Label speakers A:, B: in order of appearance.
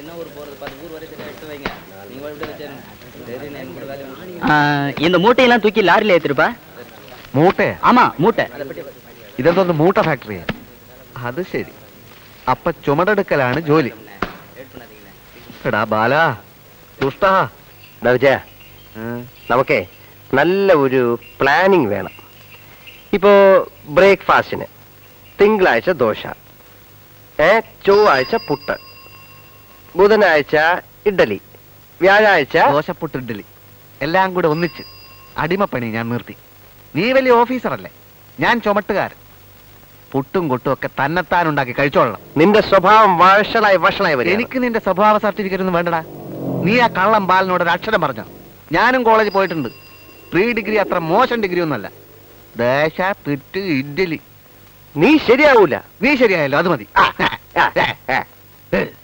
A: இந்த மூட்டையெல்லாம் தூக்கி லாரில ஏத்திருப்பா.
B: മൂട്ടെ?
A: ஆமா மூட்டை.
B: ഇതെന്തോന്ന് മൂട്ട ഫാക്ടറി? അത് ശരി. അപ്പൊ ചുമടെടുക്കലാണ് ജോലി. എടാ ബാല ദുഷ്ട
C: വിജയ, നമുക്കേ നല്ല ഒരു പ്ലാനിങ് വേണം. ഇപ്പോ ബ്രേക്ക്ഫാസ്റ്റിന് തിങ്കളാഴ്ച ദോശ, ചൊവ്വാഴ്ച പുട്ട്, ബുധനാഴ്ച ഇഡ്ഡലി, വ്യാഴാഴ്ച
B: ദോശപ്പുട്ട് ഇഡ്ഡലി എല്ലാം കൂടെ ഒന്നിച്ച് അടിമപ്പണി ഞാൻ നിർത്തി. നീ വലിയ ഓഫീസറല്ലേ, ഞാൻ ചുമട്ടുകാരൻ. പുട്ടും കൊട്ടും ഒക്കെ തന്നെത്താൻ ഉണ്ടാക്കി കഴിച്ചോളണം.
C: നിന്റെ സ്വഭാവം വഷളായി വരും.
B: എനിക്ക് നിന്റെ സ്വഭാവ സർട്ടിഫിക്കറ്റ് ഒന്നും വേണ്ടടാ. നീ ആ കള്ളം ബാലിനോട് ഒരു അക്ഷരം പറഞ്ഞോ? ഞാനും കോളേജിൽ പോയിട്ടുണ്ട്. 3 ഡിഗ്രി അത്ര മോശം ഡിഗ്രി ഒന്നല്ല. ദോശ പുട്ട് ഇഡ്ഡലി.
C: നീ ശരിയാവൂല.
B: നീ ശരിയായല്ലോ, അത് മതി.